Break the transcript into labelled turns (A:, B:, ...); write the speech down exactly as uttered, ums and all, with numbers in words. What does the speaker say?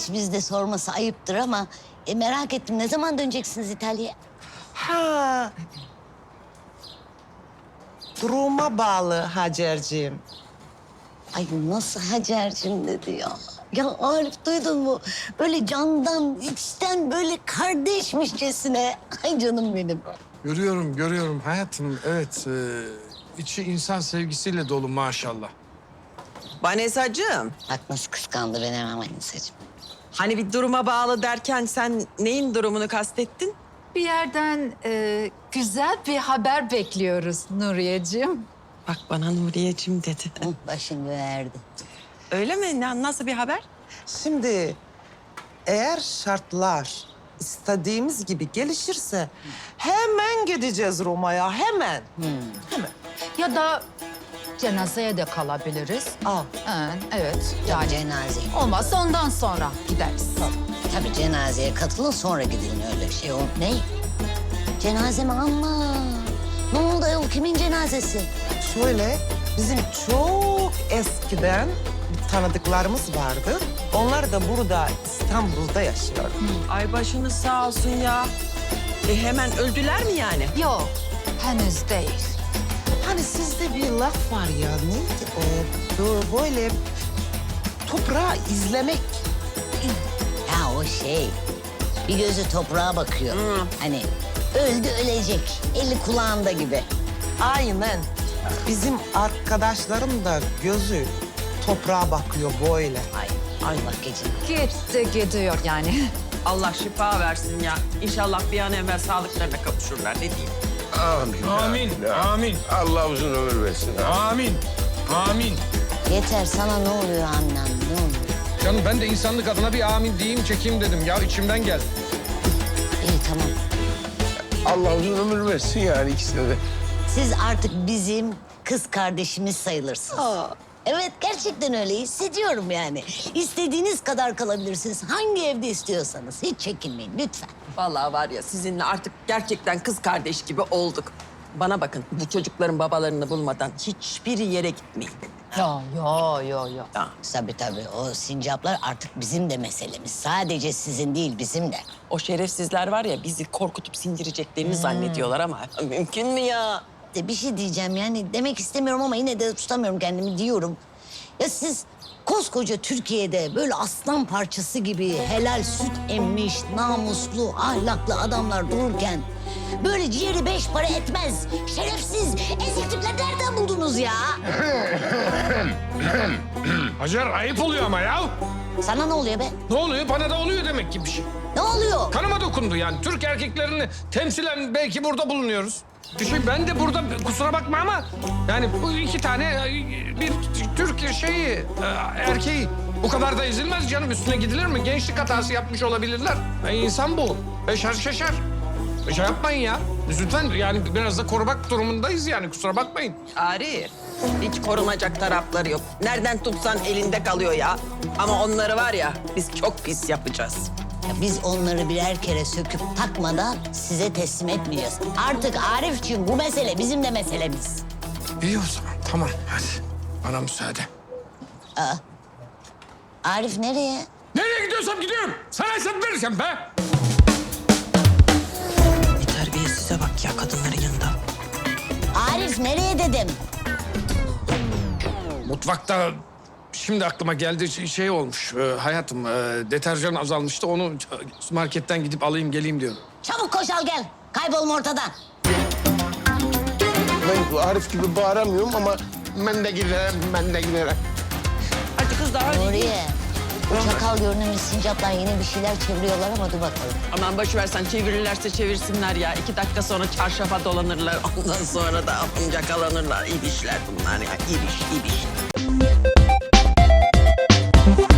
A: Gerçi bizde sorması ayıptır ama e, merak ettim. Ne zaman döneceksiniz İtalya'ya?
B: Ha. Duruma bağlı Hacer'ciğim.
A: Ay nasıl Hacer'cim dedi ya. Ya Arif duydun mu? Böyle candan, içten böyle kardeşmişçesine. Ay canım benim.
C: Görüyorum, görüyorum hayatım. Evet, e, içi insan sevgisiyle dolu maşallah.
D: Vanessacığım,
A: Bak nasıl kıskandı beni hemen Manisa'cığım.
D: hani bir duruma bağlı derken sen neyin durumunu kastettin?
E: Bir yerden e, güzel bir haber bekliyoruz Nuriyeciğim.
D: Bak bana Nuriyeciğim dedi.
A: Hı, başım verdi.
D: Öyle mi? Ne, nasıl bir haber?
B: Şimdi eğer şartlar istediğimiz gibi gelişirse hemen gideceğiz Roma'ya, hemen. Hemen.
E: Ya da cenazeye de kalabiliriz.
B: Aa,
E: Ha, evet
A: Yani
E: yani
A: cenaze.
E: olmazsa ondan sonra gideriz.
A: Tabii cenazeye katılın sonra gidin öyle şey o. Ne? Cenaze mi? Ama ne oldu ayol kimin cenazesi?
B: şöyle bizim çok eskiden bir tanıdıklarımız vardı. Onlar da burada İstanbul'da yaşıyor.
D: Ay başınız sağ olsun ya. E hemen öldüler mi yani?
E: Yok henüz değil.
B: Hani sizde bir laf var ya, neydi o? Bu böyle toprağı izlemek.
A: Ya o şey bir gözü toprağa bakıyor. Hani öldü ölecek. Eli kulağında gibi.
B: Aynen. Bizim arkadaşlarım da gözü toprağa bakıyor böyle.
A: Ay Allah gecini.
E: Gitti gidiyor yani.
D: Allah şifa versin ya. İnşallah bir an evvel sağlıklarına kavuşurlar. Ne diyeyim?
F: Amin.
C: Amin, amin,
F: Allah uzun ömür versin.
C: amin, amin.
A: Yeter sana ne oluyor annem ne oluyor?
C: Canım ben de insanlık adına bir amin diyeyim, çekeyim dedim. Ya içimden geldi.
A: İyi tamam.
F: Allah uzun ömür versin yani ikisine de.
A: Siz artık bizim kız kardeşimiz sayılırsınız. Evet gerçekten öyle hissediyorum yani. İstediğiniz kadar kalabilirsiniz. Hangi evde istiyorsanız. Hiç çekinmeyin lütfen.
D: Vallahi var ya sizinle artık gerçekten kız kardeş gibi olduk. Bana bakın bu çocukların babalarını bulmadan hiçbir yere gitmeyin.
E: Yo yo yo yo.
D: Ya,
A: Tabii tabii o sincaplar artık bizim de meselemiz. Sadece sizin değil bizim de.
D: o şerefsizler var ya bizi korkutup sindireceklerini zannediyorlar ama mümkün mü ya?
A: De bir şey diyeceğim yani demek istemiyorum ama yine de tutamıyorum kendimi diyorum. Ya siz koskoca Türkiye'de böyle aslan parçası gibi helal süt emmiş, namuslu, ahlaklı adamlar dururken böyle ciğeri beş para etmez, şerefsiz, ezik tipler nereden buldunuz ya?
C: Hacer ayıp oluyor ama ya.
A: Sana ne oluyor be?
C: Ne oluyor? Bana da oluyor demek ki bir şey.
A: Ne oluyor?
C: Kanıma dokundu yani. Türk erkeklerini temsilen belki burada bulunuyoruz. Bir şey ben de burada kusura bakma ama yani bu iki tane bir Türk şeyi e, erkeği bu kadar da ezilmez canım, üstüne gidilir mi? Gençlik hatası yapmış olabilirler. E, insan bu. Beşer şeşer. Bir şey yapmayın ya. Lütfen yani biraz da korumak durumundayız yani kusura bakmayın.
D: Arif, hiç korunacak tarafları yok. Nereden tutsan elinde kalıyor ya. Ama onları var ya biz çok pis yapacağız.
A: Ya biz onları birer kere söküp takmadan size teslim etmeyeceğiz. Artık Arifciğim bu mesele bizim de meselemiz.
C: İyi o zaman tamam hadi. Bana müsaade.
A: Arif nereye?
C: Nereye gidiyorsam gidiyorum. Sana hesap vereceğim be.
D: Bir terbiyesize bak ya kadınların yanında.
A: Arif nereye dedim?
C: Mutfakta şimdi aklıma geldi şey- şey olmuş e, hayatım, e, deterjan azalmıştı, onu marketten gidip alayım geleyim diyorum.
A: Çabuk koş al gel. Kaybolma ortadan.
F: Ben Arif gibi bağıramıyorum ama ben de giderim, ben de giderim.
D: Hadi kız daha
A: Nuriye. Bu çakal görünümlü sincaplar yine bir şeyler çeviriyorlar ama dur bakalım.
D: Aman boş versen çevirirlerse çevirsinler ya. İki dakika sonra çarşafa dolanırlar. Ondan sonra da yakalanırlar. İbişler bunlar ya. İbiş, ibiş.